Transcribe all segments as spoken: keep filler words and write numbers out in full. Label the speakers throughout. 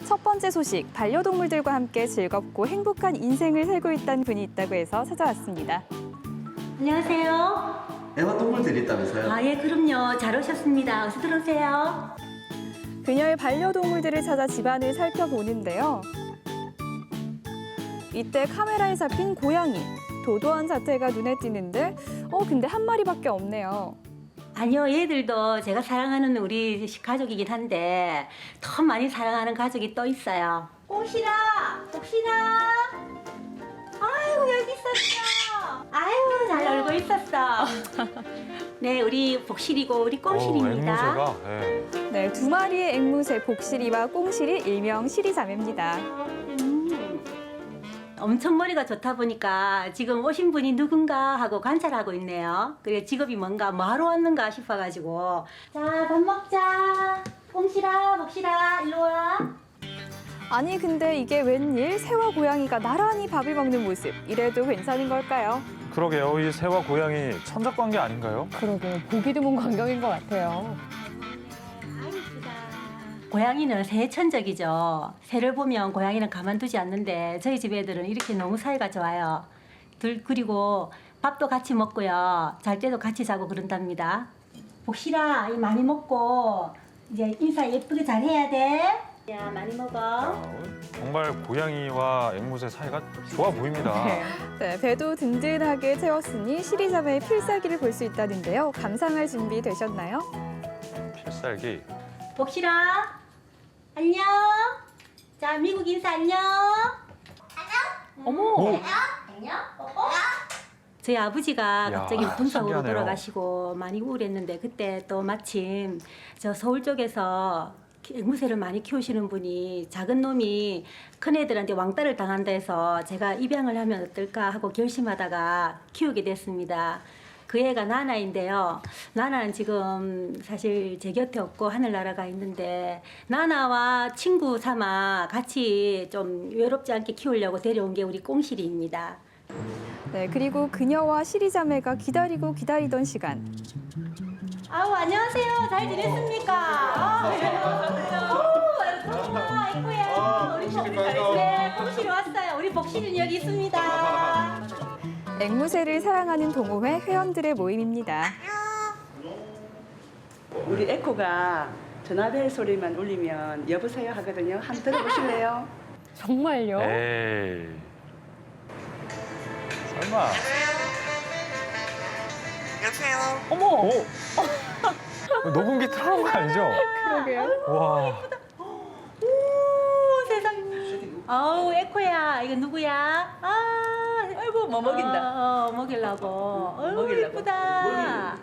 Speaker 1: 첫 번째 소식, 반려동물들과 함께 즐겁고 행복한 인생을 살고 있다는 분이 있다고 해서 찾아왔습니다.
Speaker 2: 안녕하세요.
Speaker 3: 애완동물들이 있다면서요?
Speaker 2: 아, 예, 그럼요. 잘 오셨습니다. 어서 들어오세요.
Speaker 1: 그녀의 반려동물들을 찾아 집안을 살펴보는데요. 이때 카메라에 잡힌 고양이, 도도한 자태가 눈에 띄는데 어 근데 한 마리밖에 없네요.
Speaker 2: 아니요, 얘들도 제가 사랑하는 우리 가족이긴 한데 더 많이 사랑하는 가족이 또 있어요. 꽃이라, 복시라. 아이고, 여기 있었어. 아이고, 잘 놀고 있었어. 네, 우리 복실이고 우리 꽁실입니다.
Speaker 4: 어, 앵무새가. 네.
Speaker 1: 네, 두 마리의 앵무새 복실이와 꽁실이 일명 실이자매입니다.
Speaker 2: 음, 엄청 머리가 좋다 보니까 지금 오신 분이 누군가 하고 관찰하고 있네요. 그래 직업이 뭔가 뭐 하러 왔는가 싶어가지고. 자, 밥 먹자. 꽁실아, 복실아, 일로 와.
Speaker 1: 아니 근데 이게 웬일 새와 고양이가 나란히 밥을 먹는 모습, 이래도 괜찮은 걸까요?
Speaker 4: 그러게요. 이 새와 고양이 천적관계 아닌가요?
Speaker 5: 그러게요. 보기 드문 광경인 것 같아요.
Speaker 2: 고양이는 새의 천적이죠. 새를 보면 고양이는 가만두지 않는데 저희 집 애들은 이렇게 너무 사이가 좋아요. 둘 그리고 밥도 같이 먹고요. 잘 때도 같이 자고 그런답니다. 복실아, 이 많이 먹고 이제 인사 예쁘게 잘 해야 돼. 야, 많이 먹어.
Speaker 4: 야, 정말 고양이와 앵무새 사이가 좋아 보입니다.
Speaker 1: 네, 배도 든든하게 채웠으니 실이자매의 필살기를 볼 수 있다는데요. 감상할 준비 되셨나요?
Speaker 4: 필살기.
Speaker 2: 복실아, 안녕. 자, 미국 인사 안녕.
Speaker 5: 어머!
Speaker 4: 오!
Speaker 2: 안녕. 뽀뽀. 저희 아버지가
Speaker 4: 야,
Speaker 2: 갑자기 분석으로
Speaker 4: 신기하네요.
Speaker 2: 돌아가시고 많이 우울했는데 그때 또 마침 저 서울 쪽에서 앵무새를 많이 키우시는 분이 작은 놈이 큰 애들한테 왕따를 당한다 해서 제가 입양을 하면 어떨까 하고 결심하다가 키우게 됐습니다. 그 애가 나나인데요. 나나는 지금 사실 제 곁에 없고 하늘나라가 있는데 나나와 친구 삼아 같이 좀 외롭지 않게 키우려고 데려온 게 우리 꽁실이입니다.
Speaker 1: 네, 그리고 그녀와 실이자매가 기다리고 기다리던 시간.
Speaker 2: 아우, 안녕하세요. 잘 지냈습니까? 아, 아이고야. 우리 복실이 네, 복실이 왔어요. 우리 복실이는 여기 있습니다.
Speaker 1: 앵무새를 사랑하는 동호회 회원들의 모임입니다.
Speaker 6: 우리 에코가 전화벨 소리만 울리면 여보세요 하거든요. 한번 들어보실래요?
Speaker 5: 정말요?
Speaker 4: 에이. 설마.
Speaker 7: 여보세요.
Speaker 5: 어머!
Speaker 4: 오! 녹음기 틀어놓은 거 아니죠?
Speaker 1: 그러게요.
Speaker 4: 와.
Speaker 2: 오, 세상. 아우, 에코야. 이거 누구야? 아,
Speaker 6: 아이고 뭐 먹인다.
Speaker 2: 어, 어 먹이려고. 어우,
Speaker 6: 먹이려고.
Speaker 2: 이쁘다.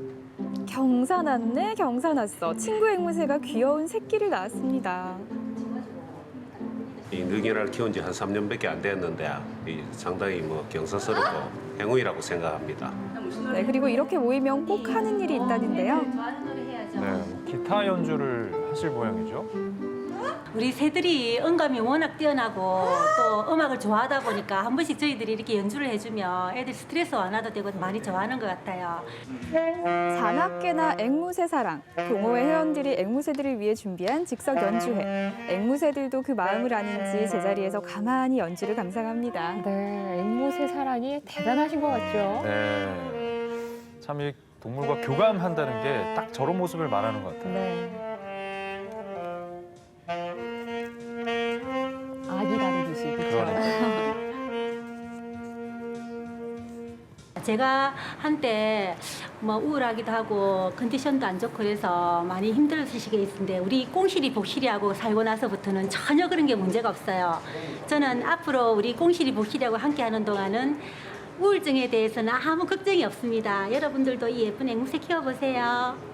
Speaker 1: 경사났네, 경사났어. 친구 앵무새가 귀여운 새끼를 낳았습니다.
Speaker 7: 이 느기를 키운 지 한 삼 년밖에 안 됐는데 이 상당히 뭐 경사스럽고 행운이라고 생각합니다.
Speaker 1: 네, 그리고 이렇게 모이면 꼭 하는 일이 있다는데요.
Speaker 2: 좋아하는 노래 해야죠.
Speaker 4: 네, 기타 연주를 하실 모양이죠?
Speaker 2: 우리 새들이 음감이 워낙 뛰어나고 또 음악을 좋아하다 보니까 한 번씩 저희들이 이렇게 연주를 해주면 애들 스트레스 완화도 되고 많이 좋아하는 것 같아요.
Speaker 1: 사납게나 앵무새 사랑. 동호회 회원들이 앵무새들을 위해 준비한 즉석 연주회. 앵무새들도 그 마음을 아는지 제자리에서 가만히 연주를 감상합니다.
Speaker 5: 네, 앵무새 사랑이 대단하신 것 같죠?
Speaker 4: 네. 참 이 동물과 교감한다는 게 딱 저런 모습을 말하는 것 같아요.
Speaker 5: 네. 아기 다루듯이, 그렇죠?
Speaker 4: 그러니까요.
Speaker 2: 제가 한때 뭐 우울하기도 하고 컨디션도 안 좋고 그래서 많이 힘들으시게 있는데 우리 꽁실이 복실이하고 살고 나서부터는 전혀 그런 게 문제가 없어요. 저는 앞으로 우리 꽁실이 복실이하고 함께 하는 동안은 우울증에 대해서는 아무 걱정이 없습니다. 여러분들도 이 예쁜 앵무새 키워보세요.